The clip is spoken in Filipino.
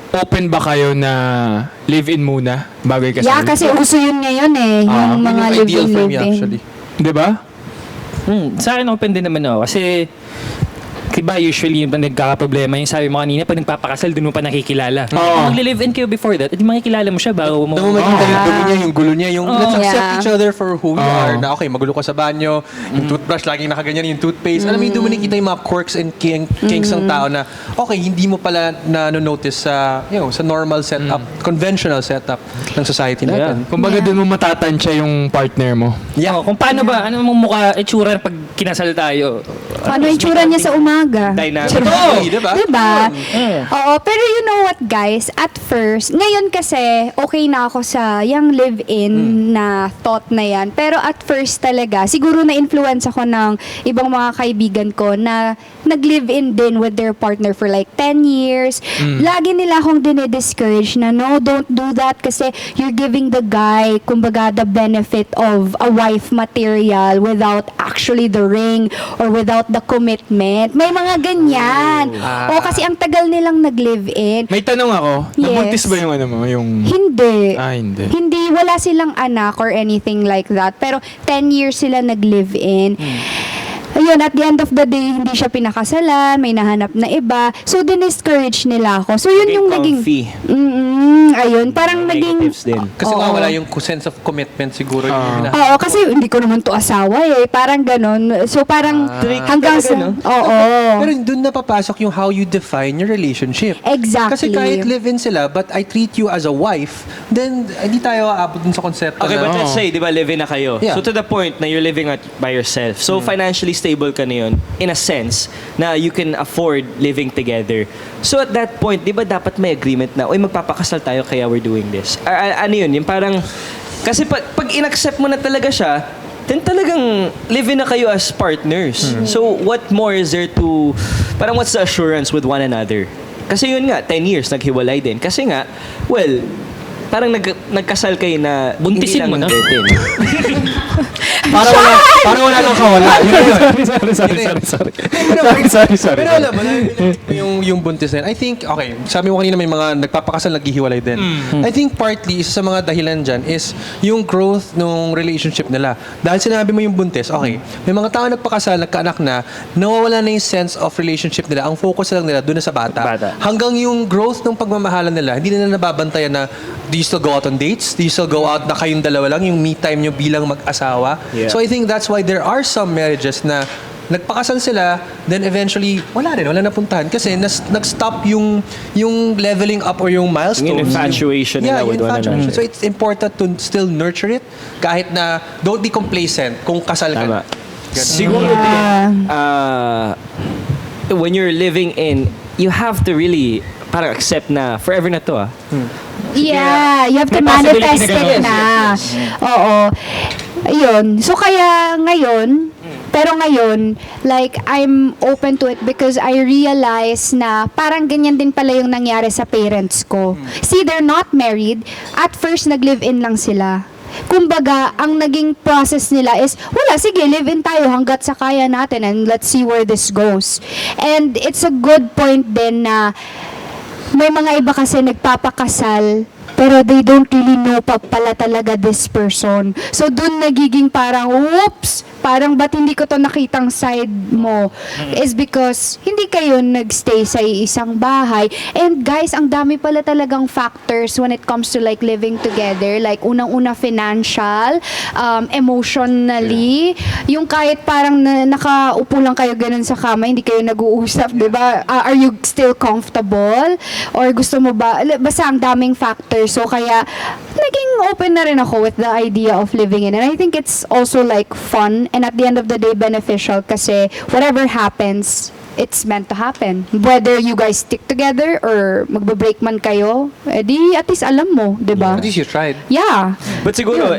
open ba kayo na live-in muna bago ikasal? Yeah, kasi uso yun ngayon eh. Yung mga Yun yung ideal for me live-in. actually. Di ba? Sa akin open din naman ako kasi diba usually yung nagkakaproblema yung sabi mo kanina pag nagpapakasal doon mo pa nakikilala. Oo. Magle-live-in kayo before that, edi makikilala mo siya bago mo. Doon mo makikita yung dumi niya, yung gulo niya, yung let's accept Yeah. each other for who we are. Na okay, magulo ka sa banyo, yung toothbrush laging nakaganyan, yung toothpaste. Alam mo yung doon mo nakikita yung mga quirks and kinks ng tao na okay, hindi mo pala na-notice sa, sa normal setup, conventional setup ng society natin. Kumbaga doon mo matatansya yung partner mo. Yeah. Kung paano ba, ano mong mukha, itsura pag kinasal tayo. Paano yung tsura niya sa umaga? Dynamic. Oo, diba? Diba? Oo, pero you know what guys, at first, ngayon kasi, okay na ako sa yung live-in na thought na yan. Pero at first talaga, siguro na-influence ako ng ibang mga kaibigan ko na nag-live-in din with their partner for like 10 years. Lagi nila akong dinidiscourage na no, don't do that kasi you're giving the guy, kumbaga, the benefit of a wife material without actually the ring or without the commitment. May mga ganyan. O kasi ang tagal nilang nag-live-in. May tanong ako, Yes. nabuntis ba yung ano mo? Yung... Hindi. hindi. Hindi, wala silang anak or anything like that. Pero 10 years sila nag-live-in. Ayun, at the end of the day, hindi siya pinakasalan, may nahanap na iba. So, diniscourage nila ako. So, yun yung naging... ayun, parang naging... Negatives din. Kasi Oo. nga wala yung sense of commitment siguro. Yung Oo, kasi hindi ko naman to asawa eh. Parang ganon. So, parang hanggang sa... Oo. Pero doon na papasok yung how you define your relationship. Exactly. Kasi kahit live-in sila, but I treat you as a wife, then hindi tayo aabot dun sa konsepto Okay, na... but let's say, di ba, living na kayo. Yeah. So to the point na you're living by yourself. So financially stable ka na yun, in a sense, na you can afford living together. So at that point, di ba dapat may agreement na, oy, magpapakasal tayo kaya we're doing this. Ano yun? Yung parang, kasi pag in-accept mo na talaga siya, then talagang living na kayo as partners. So what more is there to, parang what's the assurance with one another? Kasi yun nga, 10 years, naghiwalay din. Kasi nga, well, parang nagkasal kayo na Buntisin hindi mo lang na. dating. Parang wala nang kawala. Sorry. Pero alam mo, yung buntis na yun, I think, okay, sabi mo kanina may mga nagpapakasal, naghihiwalay din. I think partly, isa sa mga dahilan dyan is yung growth ng relationship nila. Dahil sinabi mo yung buntis, okay, may mga tao nagpakasal, nagkaanak na, nawawala na yung sense of relationship nila. Ang focus lang nila doon na sa bata. Hanggang yung growth ng pagmamahalan nila, hindi na nababantayan na, do you still go out on dates? Do you still go out na kayong dalawa lang, yung me time nyo bilang mag-asawa? Yeah. So I think that's why there are some marriages na nagpakasal sila, then eventually, wala napuntahan. Kasi nag-stop yung leveling up or yung milestones. Yung infatuation nila with one another. So it's important to still nurture it kahit na don't be complacent kung kasal ka na. Tama. Siguro din, when you're living in, you have to really parang accept na forever na to Yeah, you have to May possibility manifest na it ganun. na. Oo. Ayun. So, kaya ngayon, pero ngayon, like, I'm open to it because I realize na parang ganyan din pala yung nangyari sa parents ko. See, they're not married. At first, nag-live-in lang sila. Kumbaga, ang naging process nila is, wala, sige, live-in tayo hanggat sa kaya natin and let's see where this goes. And it's a good point din na may mga iba kasi nagpapakasal pero they don't really know pa pala talaga this person. So, dun nagiging parang, whoops! Parang ba't hindi ko to nakitang side mo? Is because hindi kayo nagstay sa isang bahay. And guys, ang dami pala talagang factors when it comes to like living together. Like, unang-una financial, emotionally, yung kahit parang nakaupo lang kayo ganun sa kama, hindi kayo nag-uusap, di ba? Are you still comfortable? Or gusto mo ba? Basta ang daming factors. So, kaya, naging open na rin ako with the idea of living in. And I think it's also like fun and at the end of the day beneficial kasi whatever happens, it's meant to happen. Whether you guys stick together or magbe-break man kayo, edi at least alam mo, di ba? At least you tried. Yeah. But siguro,